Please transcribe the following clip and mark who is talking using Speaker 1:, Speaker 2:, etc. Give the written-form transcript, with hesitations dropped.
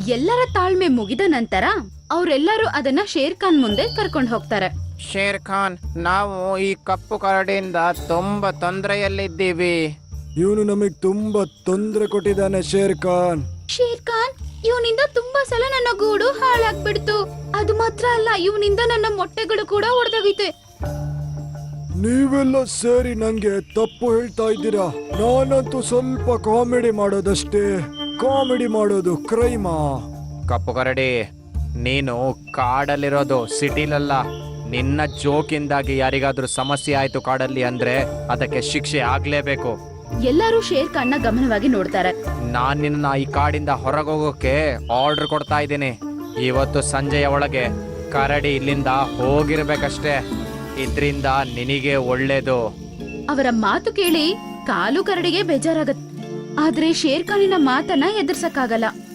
Speaker 1: ಎಲ್ಲರ ತಾಳ್ಮೆ ಮುಗಿದ ನಂತರ ಅವರೆಲ್ಲರೂ ಅದನ್ನ ಶೇರ್ ಖಾನ್ ಮುಂದೆ ಕರ್ಕೊಂಡು ಹೋಗ್ತಾರೆ.
Speaker 2: ಶೇರ್ ಖಾನ್, ನಾವು ಈ ಕಪ್ಪು ಕರಡಿಯಿಂದ ತುಂಬಾ ತೊಂದರೆಯಲ್ಲಿದ್ದೀವಿ.
Speaker 3: ಇವನು ನಮಗ್ ತುಂಬಾ ತೊಂದರೆ ಕೊಟ್ಟಿದ್ದಾನೆ ಶೇರ್ ಖಾನ್.
Speaker 1: ಶೇರ್ ಖಾನ್, ಇವನಿಂದ ತುಂಬಾ ಸಲ ನನ್ನ ಗೂಡು ಹಾಳಾಗ್ಬಿಡ್ತು. ಅದು ಮಾತ್ರ ಅಲ್ಲ, ಇವನಿಂದ ನನ್ನ ಮೊಟ್ಟೆಗಳು ಕೂಡ ಒಡೆದೋಗಿತೆ.
Speaker 3: ನೀವೆಲ್ಲ ಸೇರಿ ನಂಗೆ ತಪ್ಪು ಹೇಳ್ತಾ ಇದ್ದೀರಾ. ನಾನಂತೂ ಸ್ವಲ್ಪ ಕಾಮಿಡಿ ಮಾಡೋದಷ್ಟೇ. ಕಾಮಿಡಿ ಮಾಡೋದು ಕ್ರೈಮಾ?
Speaker 2: ಕಪ್ಪು ಕರಡಿ, ನೀನು ಕಾಡಲ್ಲಿರೋದು ಸಿಟಿಲಲ್ಲ. ನಿನ್ನ ಜೋಕಿಂದಾಗಿ ಯಾರಿಗಾದ್ರೂ ಸಮಸ್ಯೆ ಆಯ್ತು ಕಾಡಲ್ಲಿ ಅಂದ್ರೆ ಅದಕ್ಕೆ ಶಿಕ್ಷೆ ಆಗ್ಲೇಬೇಕು.
Speaker 1: ಎಲ್ಲರೂ ಶೇರ್ ಖಾನ್ನ ಗಮನವಾಗಿ ನೋಡ್ತಾರೆ.
Speaker 2: ನಾನ್ ನಿನ್ನ ಈ ಕಾಡಿಂದ ಹೊರಗೋಗೋಕೆ ಆರ್ಡರ್ ಕೊಡ್ತಾ ಇದ್ದೀನಿ. ಇವತ್ತು ಸಂಜೆಯ ಒಳಗೆ ಕರಡಿ ಇಲ್ಲಿಂದ ಹೋಗಿರ್ಬೇಕಷ್ಟೇ. ಇದ್ರಿಂದ ನಿನಗೆ ಒಳ್ಳೇದು.
Speaker 1: ಅವರ ಮಾತು ಕೇಳಿ ಕಾಲು ಕರಡಿಗೆ ಬೇಜಾರಾಗತ್ತೆ. ಆದ್ರೆ ಶೇರ್ ಖಾನಿನ ಮಾತನ್ನ ಎದುರ್ಸಕ್ಕಾಗಲ್ಲ.